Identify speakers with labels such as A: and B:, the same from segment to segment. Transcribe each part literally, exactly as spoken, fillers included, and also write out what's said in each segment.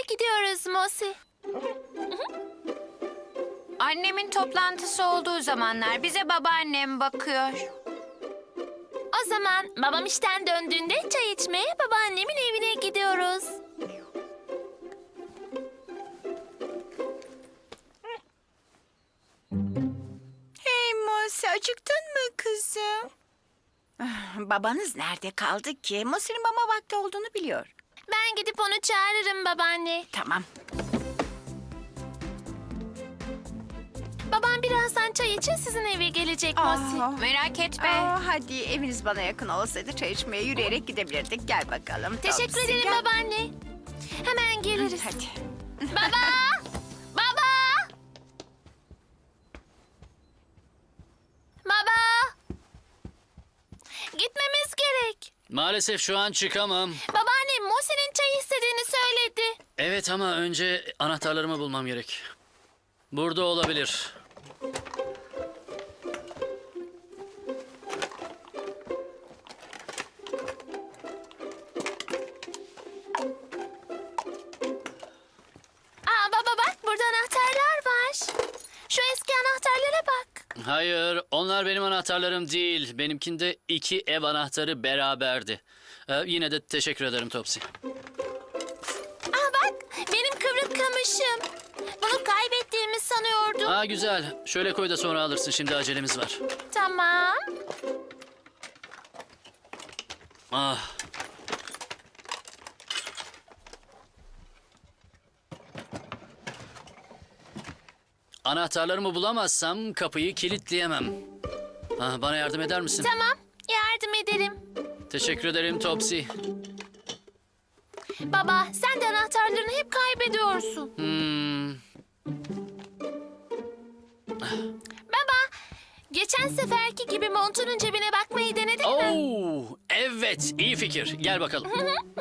A: gidiyoruz Mosi.
B: Annemin toplantısı olduğu zamanlar bize babaannem bakıyor.
A: O zaman babam işten döndüğünde çay içmeye babaannemin evine gidiyoruz.
C: Hey Mosi, acıktın mı kızım? Ah, babanız nerede kaldı ki? Mosi'nin mama vakti olduğunu biliyor.
A: Ben gidip onu çağırırım babaanne.
C: Tamam.
A: Babam birazdan çay için sizin eve gelecek Mosi.
C: Aa,
B: Merak etme.
C: aa, hadi eviniz bana yakın olsaydı çay içmeye yürüyerek gidebilirdik. Gel bakalım.
A: Teşekkür
C: Topsy,
A: ederim
C: gel.
A: babaanne. Hemen geliriz.
C: Hadi.
A: Baba! Baba! Baba! Gitmemiz gerek.
D: Maalesef şu an çıkamam.
A: Babaannem Mosi'nin çay istediğini söyledi.
D: Evet ama önce anahtarlarımı bulmam gerek. Burada olabilir.
A: Aa baba bak burada anahtarlar var. Şu eski anahtarlara bak.
D: Hayır, onlar benim anahtarlarım değil. Benimkinde iki ev anahtarı beraberdi. Ee, yine de teşekkür ederim Topsy.
A: Aa bak benim kıvrık kamışım. Bunu kaybettiğimi sanıyordum.
D: Aa güzel. Şöyle koy da sonra alırsın. Şimdi acelemiz var.
A: Tamam.
D: Ah. Anahtarlarımı bulamazsam kapıyı kilitleyemem. Ah, bana yardım eder misin?
A: Tamam yardım ederim.
D: Teşekkür ederim Topsy.
A: Baba sen de anahtarlarını hep kaybediyorsun.
D: Hmm.
A: Baba geçen seferki gibi montunun cebine bakmayı denedin mi?
D: Oo, evet, iyi fikir. Gel bakalım.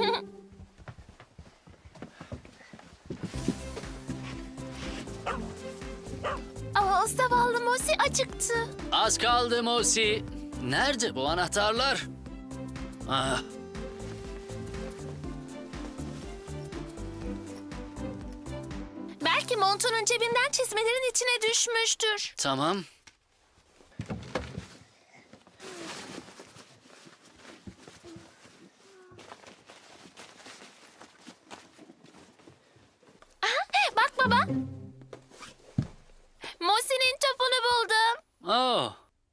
A: Aa zavallı Mosi acıktı.
D: Az kaldı Mosi. Nerede bu anahtarlar? Ah.
A: Belki montunun cebinden çizmelerin içine düşmüştür.
D: Tamam.
A: Aha, bak baba. Mosi'nin topunu buldum.
D: Oh.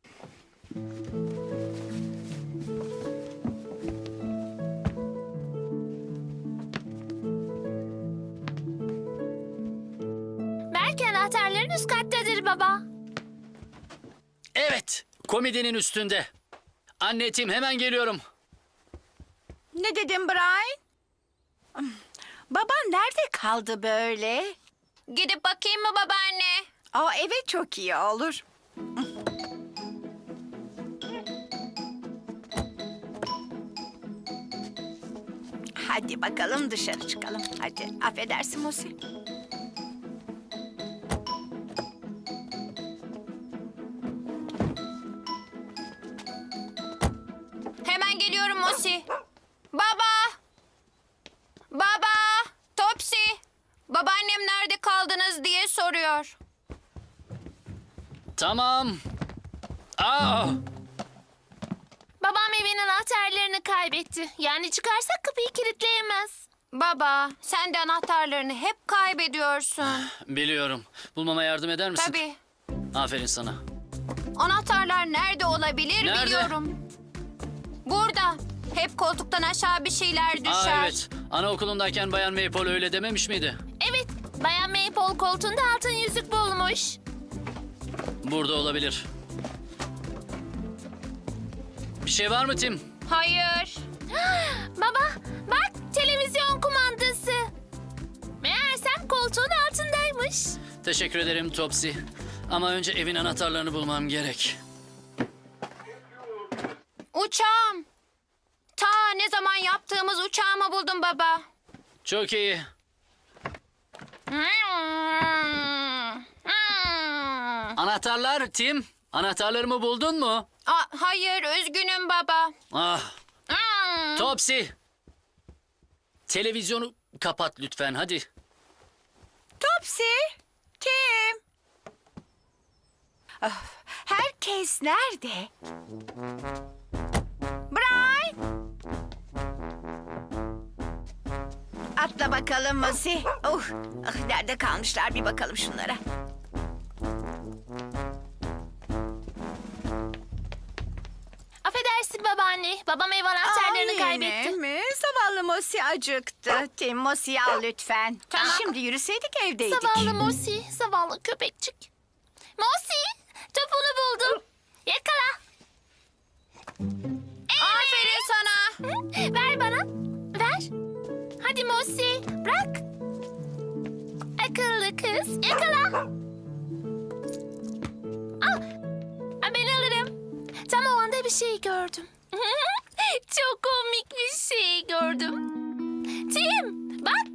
A: Belki anahtarların üst kattadır baba.
D: Evet, komedinin üstünde. Anne Tim, hemen geliyorum.
C: Ne dedin Brian? Baban nerede kaldı böyle?
B: Gidip bakayım mı babaanne?
C: Aa, evet çok iyi olur. Hadi bakalım dışarı çıkalım. Hadi affedersin Mosi.
B: Hemen geliyorum Mosi. Baba! Baba! Topsy! Babaannem nerede kaldınız diye soruyor.
D: Tamam. Ah.
A: Babam evin anahtarlarını kaybetti. Yani çıkarsak kapıyı kilitleyemez.
B: Baba, sen de anahtarlarını hep kaybediyorsun.
D: Biliyorum. Bulmama yardım eder misin?
B: Tabii.
D: Aferin sana.
B: Anahtarlar nerede olabilir
D: Nerede?
B: biliyorum. Burada. Hep koltuktan aşağı bir şeyler düşer.
D: Aa evet. Anaokulundayken Bayan Maple öyle dememiş miydi?
A: Evet, Bayan Maple koltuğunda altın yüzük bulmuş.
D: Burada olabilir. Bir şey var mı Tim?
B: Hayır.
A: Baba, bak televizyon kumandası. Meğersem koltuğun altındaymış.
D: Teşekkür ederim Topsy. Ama önce evin anahtarlarını bulmam gerek.
B: Uçağım. Ta ne zaman yaptığımız uçağımı buldum baba.
D: Çok iyi. Anahtarlar Tim. Anahtarlarımı buldun mu?
B: Aa, hayır, üzgünüm baba.
D: Ah. Topsy. Televizyonu kapat lütfen hadi.
C: Topsy, Tim. Of, herkes nerede? Brian. Atla bakalım Mosi. Oh, ah, nerede kalmışlar bir bakalım şunlara.
A: Affedersin babaanne. Babam ev anahtarlarını
C: Aa,
A: kaybetti.
C: yine mi? Zavallı Mosi acıktı. Tim, Mosi'yi al lütfen.
A: Tamam.
C: Şimdi yürüseydik evdeydik.
A: Zavallı Mosi, zavallı köpekçik. Mosi, topunu buldum. Yakala.
B: Aferin sana.
A: Ver bana. Ver. Hadi Mosi, bırak. Akıllı kız, yakala. Al. Ha, ben alırım. Tam o anda bir şey gördüm. Çok komik bir şey gördüm. Tim, bak.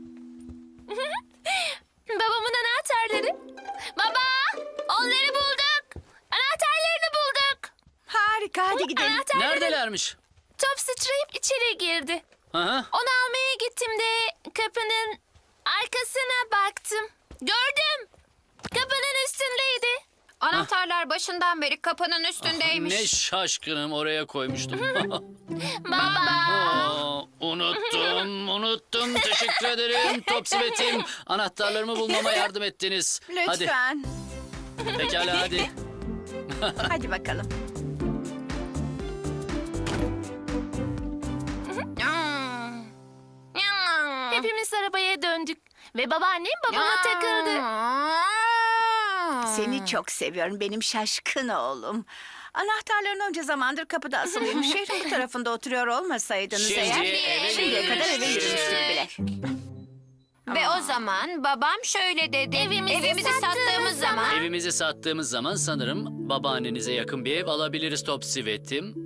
A: Babamın anahtarları. Baba, onları bulduk. Anahtarlarını bulduk.
C: Harika, hadi gidelim.
A: Anahtarları.
D: Neredelermiş?
A: Top sıçrayıp içeri girdi.
D: Aha.
A: Onu almaya gittim de kapının arkasına baktım. Gördüm. Kapının üstündeydi.
B: Anahtarlar başından beri kapının üstündeymiş.
D: Ne şaşkınım, oraya koymuştum.
A: Baba.
D: Aa, unuttum, unuttum. Teşekkür ederim Topsy ve Tim. Anahtarlarımı bulmama yardım ettiniz. Hadi,
C: Lütfen.
D: pekala hadi.
C: Hadi bakalım.
A: Hepimiz arabaya döndük. Ve babaannem babama takıldı.
C: Seni çok seviyorum benim şaşkın oğlum. Anahtarların onca zamandır kapıda asılıymış. Şehrin bu tarafında oturuyor olmasaydınız
D: Şimdi
C: eğer...
D: eve
C: Şimdiye kadar eve
D: yürümüştük.
C: yürümüştük bile.
B: Ve o zaman babam şöyle dedi.
A: Evimizi sattığımız
B: sattığımız zaman.
D: Evimizi sattığımız zaman sanırım babaannenize yakın bir ev alabiliriz Topsy ve Tim.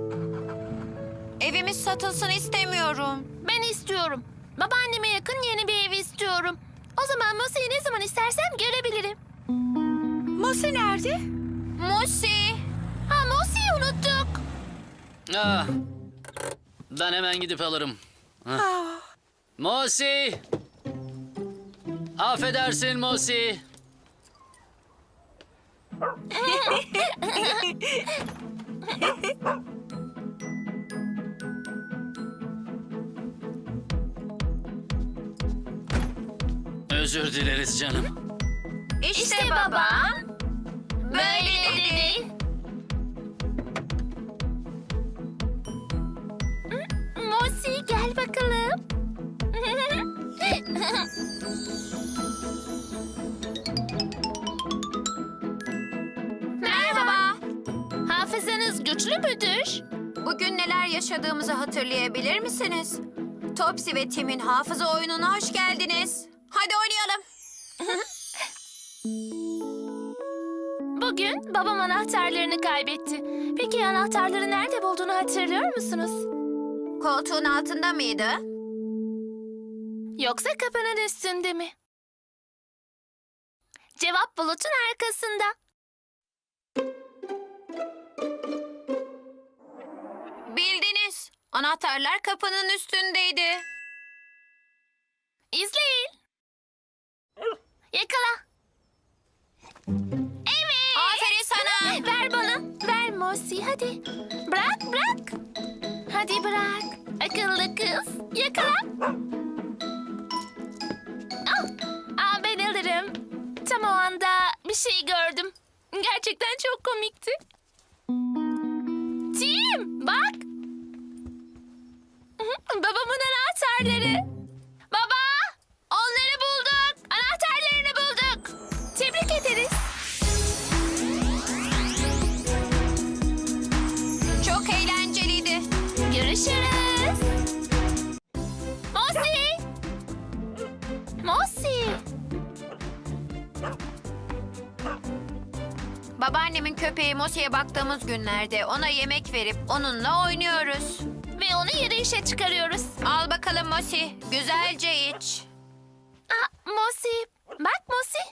B: Evimiz satılsın istemiyorum.
A: Ben istiyorum. Babaanneme yakın yeni bir ev istiyorum. O zaman Mosi'yi ne zaman istersem görebilirim.
C: Mosi nerede?
B: Musi.
A: Ha, Mosi'yi unuttuk.
D: Ah, ben hemen gidip alırım. Hah.
C: Ah,
D: Mosi! Affedersin Mosi. Özür dileriz canım.
B: İşte,
A: İşte
B: baba.
A: babam böyle dedi. Mosi gel bakalım.
B: Merhaba.
A: Hafızanız güçlü müdür?
B: Bugün neler yaşadığımızı hatırlayabilir misiniz? Topsy ve Tim'in hafıza oyununa hoş geldiniz. Hadi oynayalım.
A: Bugün babam anahtarlarını kaybetti. Peki anahtarları nerede bulduğunu hatırlıyor musunuz?
B: Koltuğun altında mıydı?
A: Yoksa kapının üstünde mi? Cevap bulutun arkasında.
B: Bildiniz. Anahtarlar kapının üstündeydi.
A: İzleyin. Yakala. Evet.
B: Aferin sana.
A: Ver bana. Ver Mosi hadi. Bırak bırak. Hadi bırak. Akıllı kız. Yakala. Al. Al ben alırım. Tam o anda bir şey gördüm. Gerçekten çok komikti. Tim bak. Babamın anahtarları. Baba, onları bulduk. Anahtarlarını bulduk. Tebrik ederiz.
B: Çok eğlenceliydi.
A: Görüşürüz. Mosi. Mosi.
B: Babaannemin köpeği Mosi'ye baktığımız günlerde ona yemek verip onunla oynuyoruz.
A: Ve onu yürüyüşe çıkarıyoruz.
B: Al bakalım Mosi, güzelce iç.
A: Aa, Mosi. Bak Mosi.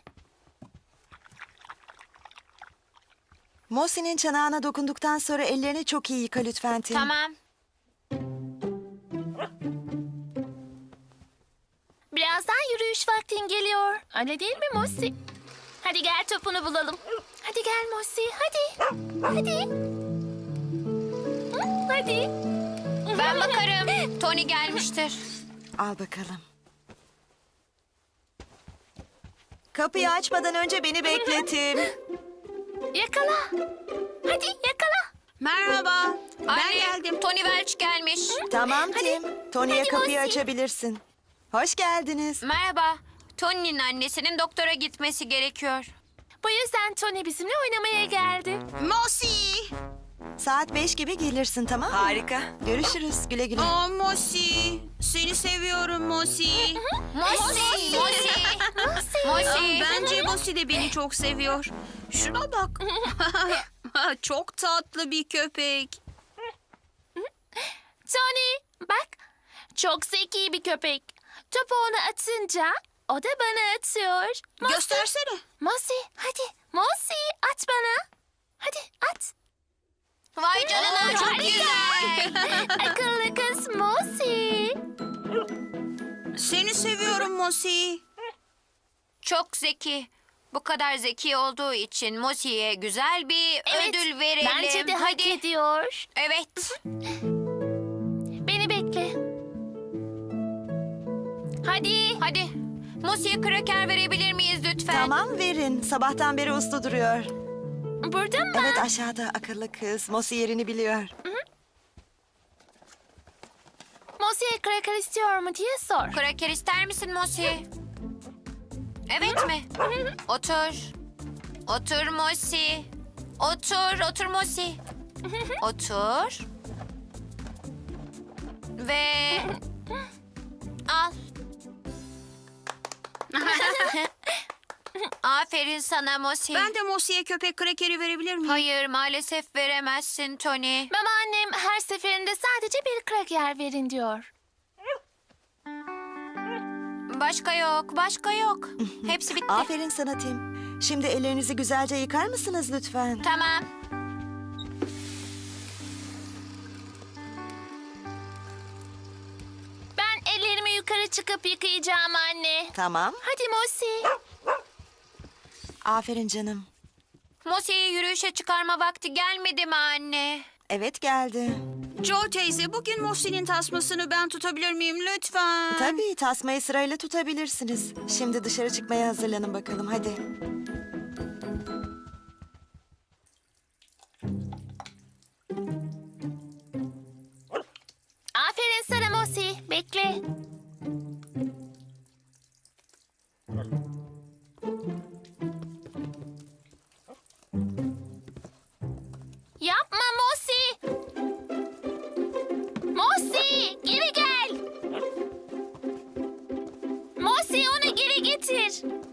E: Mosi'nin çanağına dokunduktan sonra ellerini çok iyi yıka lütfen Tim.
B: Tamam.
A: Biraz Birazdan yürüyüş vaktin geliyor. Öyle değil mi Mosi? Hadi gel topunu bulalım. Hadi gel Mosi, hadi. Hadi. Hı, hadi.
B: Ben bakarım. Tony gelmiştir.
E: Al bakalım. Kapıyı açmadan önce beni bekletim.
A: Yakala. Hadi yakala.
F: Merhaba. Ben
B: Anne,
F: geldim.
B: Tony Welch gelmiş.
E: Tamam Tim. Tony'ye
A: Hadi
E: kapıyı
A: Mosi.
E: açabilirsin. Hoş geldiniz.
B: Merhaba. Tony'nin annesinin doktora gitmesi gerekiyor.
A: Bu yüzden Tony bizimle oynamaya geldi.
F: Mosi.
E: Saat beş gibi gelirsin, tamam mı?
C: Harika.
E: Görüşürüz. Güle güle.
F: Aa Mosi. Seni seviyorum Mosi.
B: Mosi! Mosi!
F: Aa,
B: Mosi!
F: Bence Mosi de beni çok seviyor. Şuna bak. Çok tatlı bir köpek.
A: Tony bak, çok zeki bir köpek. Topu ona atınca o da bana atıyor. Mosi,
F: Göstersene.
A: Mosi hadi. Mosi at bana. Hadi at.
B: Vay canına çok
A: harika.
B: güzel.
A: Akıllı kız Mosi.
F: Seni seviyorum Mosi.
B: Çok zeki. Bu kadar zeki olduğu için Mosi'ye güzel bir
A: Evet,
B: ödül verelim.
A: Bence de hak
B: Hadi.
A: ediyor.
B: Evet.
A: Beni bekle. Hadi.
B: Hadi. Mosi'ye kraker verebilir miyiz lütfen?
E: Tamam verin. Sabahtan beri uslu duruyor.
A: Burada mı?
E: Evet aşağıda akıllı kız. Mosi yerini biliyor.
A: Mosi'ye kraker istiyor mu diye sor.
B: Kraker ister misin Mosi? Evet mi? Otur. Otur Mosi. Otur, otur Mosi. Otur. Ve al. Aferin sana Mosi.
F: Ben de Mosi'ye köpek krekeri verebilir miyim?
B: Hayır, maalesef veremezsin Tony.
A: Babaannem her seferinde sadece bir kraker verin diyor.
B: Başka yok, başka yok. Hepsi bitti.
E: Aferin sana Tim. Şimdi ellerinizi güzelce yıkar mısınız lütfen?
B: Tamam.
A: Ben ellerimi yukarı çıkıp yıkayacağım anne.
E: Tamam.
A: Hadi Mosi.
E: Aferin canım.
B: Mosi'yi yürüyüşe çıkarma vakti gelmedi mi anne?
E: Evet geldi.
F: Joe teyze bugün Mosi'nin tasmasını ben tutabilir miyim lütfen?
E: Tabii tasmayı sırayla tutabilirsiniz. Şimdi dışarı çıkmaya hazırlanın bakalım hadi.
A: Aferin sana Mosi. Bekle. Yapma Mosi. Mosi geri gel. Mosi onu geri getir.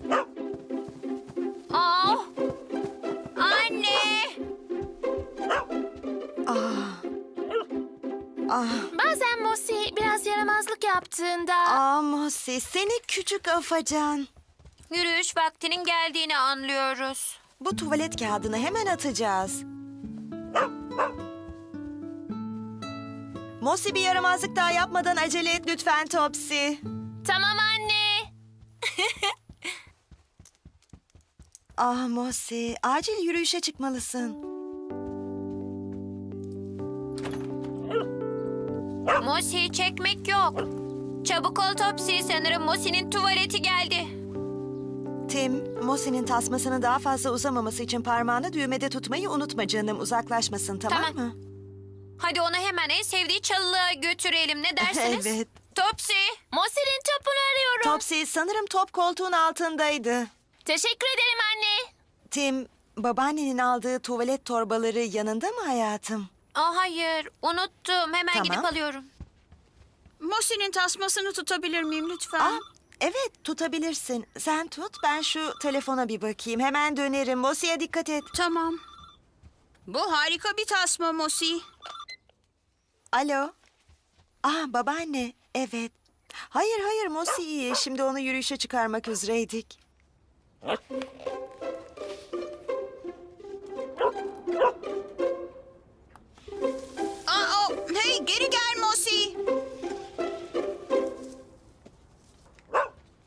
B: Aa! Anne!
E: Ah. Ah.
A: Bazen Mosi biraz yaramazlık yaptığında...
E: Ah Mosi seni küçük afacan.
B: Yürüyüş vaktinin geldiğini anlıyoruz.
E: Bu tuvalet kağıdını hemen atacağız. Mosi bir yaramazlık daha yapmadan acele et lütfen Topsy.
A: Tamam anne.
E: Ah Mosi acil yürüyüşe çıkmalısın.
B: Mosi'yi çekmek yok. Çabuk ol Topsy, sanırım Mosi'nin tuvaleti geldi.
E: Tim, Mosi'nin tasmasını daha fazla uzamaması için parmağını düğmede tutmayı unutma canım. Uzaklaşmasın tamam,
B: Tamam.
E: mı?
B: Hadi onu hemen en sevdiği çalılığa götürelim, ne dersiniz?
E: Evet.
B: Topsy!
A: Mosi'nin topunu arıyorum.
E: Topsy sanırım top koltuğun altındaydı.
A: Teşekkür ederim anne.
E: Tim, babaannenin aldığı tuvalet torbaları yanında mı hayatım?
B: Aa, hayır, unuttum. Hemen
E: Tamam.
B: gidip alıyorum.
F: Mosi'nin tasmasını tutabilir miyim lütfen?
E: Aa, evet tutabilirsin. Sen tut ben şu telefona bir bakayım. Hemen dönerim. Mosi'ye dikkat et.
F: Tamam. Bu harika bir tasma Mosi.
E: Alo. Ah babaanne. Evet. Hayır hayır Mosi iyi. Şimdi onu yürüyüşe çıkarmak üzereydik.
F: Aa, o, hey geri gel Mosi.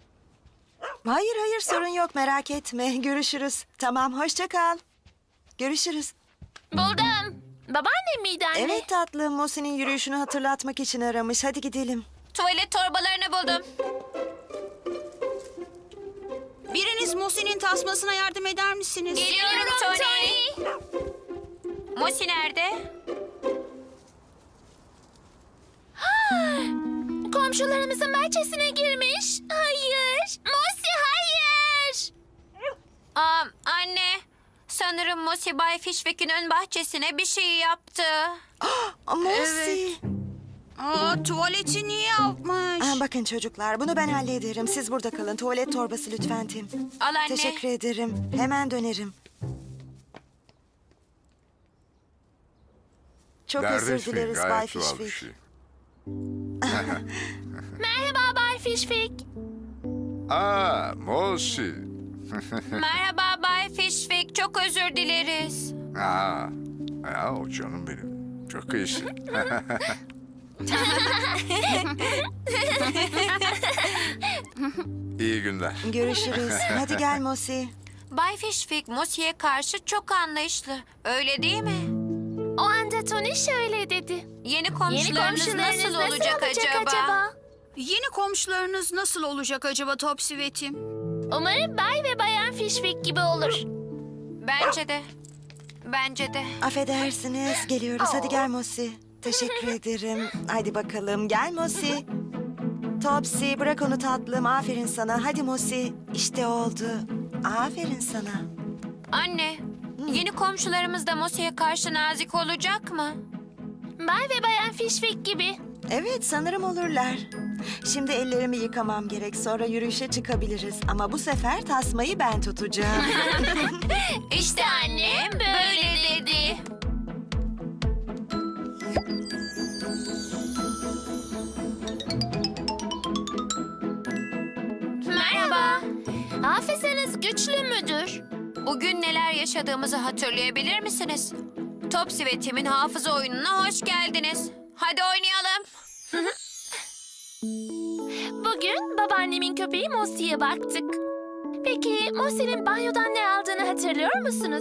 E: Hayır sorun yok merak etme. Görüşürüz. Tamam hoşça kal. Görüşürüz.
A: Buldum. Babaannem miydi anne?
E: Evet tatlım Mosi'nin yürüyüşünü hatırlatmak için aramış. Hadi gidelim.
B: Tuvalet torbalarını buldum.
F: Biriniz Mosi'nin tasmasına yardım eder misiniz?
B: Geliyorum Tony. Mosi nerede?
A: Komşularımızın bahçesine girmiş. Hayır. Mosi hayır.
B: Aa, anne. Sanırım Mosi Bay Fishwick'in ön bahçesine bir şey yaptı.
E: Aa, Mosi.
F: Evet. Aa, tuvaleti niye yapmış?
E: Aa, bakın çocuklar bunu ben hallederim. Siz burada kalın. Tuvalet torbası lütfen Tim.
B: Al anne.
E: Teşekkür ederim. Hemen dönerim. Çok özür
G: Neredesin?
E: dileriz Bay
G: Gayet doğal bir
E: Fishwick.
G: şey.
A: Merhaba Bay Fishwick.
G: Aa, Mosi.
B: Merhaba Bay Fishwick. Çok özür dileriz.
G: Aa, ya o canım benim. Çok iyisin. İyi günler.
E: Görüşürüz. Hadi gel Mosi.
B: Bay Fishwick Mosi'ye karşı çok anlayışlı. Öyle değil mi?
A: O anda Tony şöyle dedi.
B: Yeni
A: Yeni
B: komşularınız
A: komşularınız
B: nasıl olacak, acaba?
F: Yeni komşularınız nasıl olacak acaba Topsy ve Tim?
A: Umarım Bay ve Bayan Fishwick gibi olur.
B: Bence de. Bence de.
E: Affedersiniz. Geliyoruz. Hadi gel Mosi. Teşekkür ederim. Hadi bakalım. Gel Mosi. Topsy bırak onu tatlım. Aferin sana. Hadi Mosi. İşte oldu. Aferin sana.
B: Anne, yeni komşularımız da Mosi'ye karşı nazik olacak mı?
A: Bay ve Bayan Fishwick gibi.
E: Evet sanırım olurlar. Şimdi ellerimi yıkamam gerek. Sonra yürüyüşe çıkabiliriz. Ama bu sefer tasmayı ben tutacağım.
A: İşte annem böyle dedi. Merhaba. Hafızanız güçlü müdür?
B: Bugün neler yaşadığımızı hatırlayabilir misiniz? Topsy ve Tim'in hafıza oyununa hoş geldiniz. Hadi oynayalım.
A: Bugün babaannemin köpeği Mosi'ye baktık. Peki Mosi'nin banyodan ne aldığını hatırlıyor musunuz?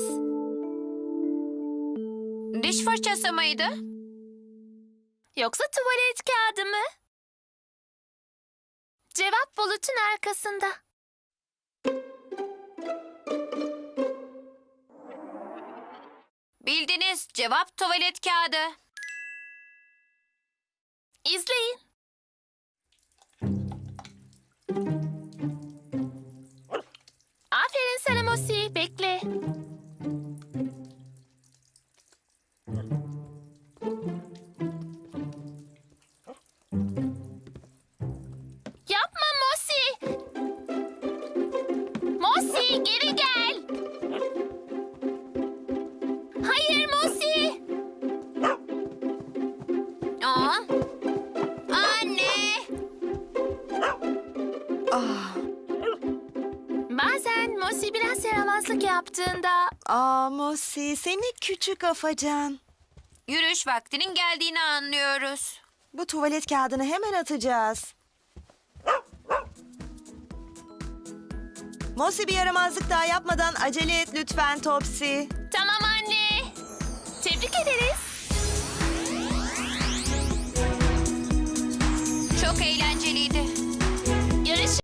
B: Diş fırçası mıydı?
A: Yoksa tuvalet kağıdı mı? Cevap bulutun arkasında.
B: Bildiniz. Cevap tuvalet kağıdı.
A: İzleyin. Aferin sana Mosi. Bekle. Yapma Mosi. Mosi geri gel. Hayır Mosi.
B: Aa. Anne.
E: Ah,
A: Bazen Mosi biraz yaramazlık yaptığında
E: aa Mosi seni küçük afacan.
B: Yürüyüş vaktinin geldiğini anlıyoruz.
E: Bu tuvalet kağıdını hemen atacağız. Mosi bir yaramazlık daha yapmadan acele et lütfen Topsy.
A: tamam anne. Tebrik ederiz.
B: Çok eğlenceliydi.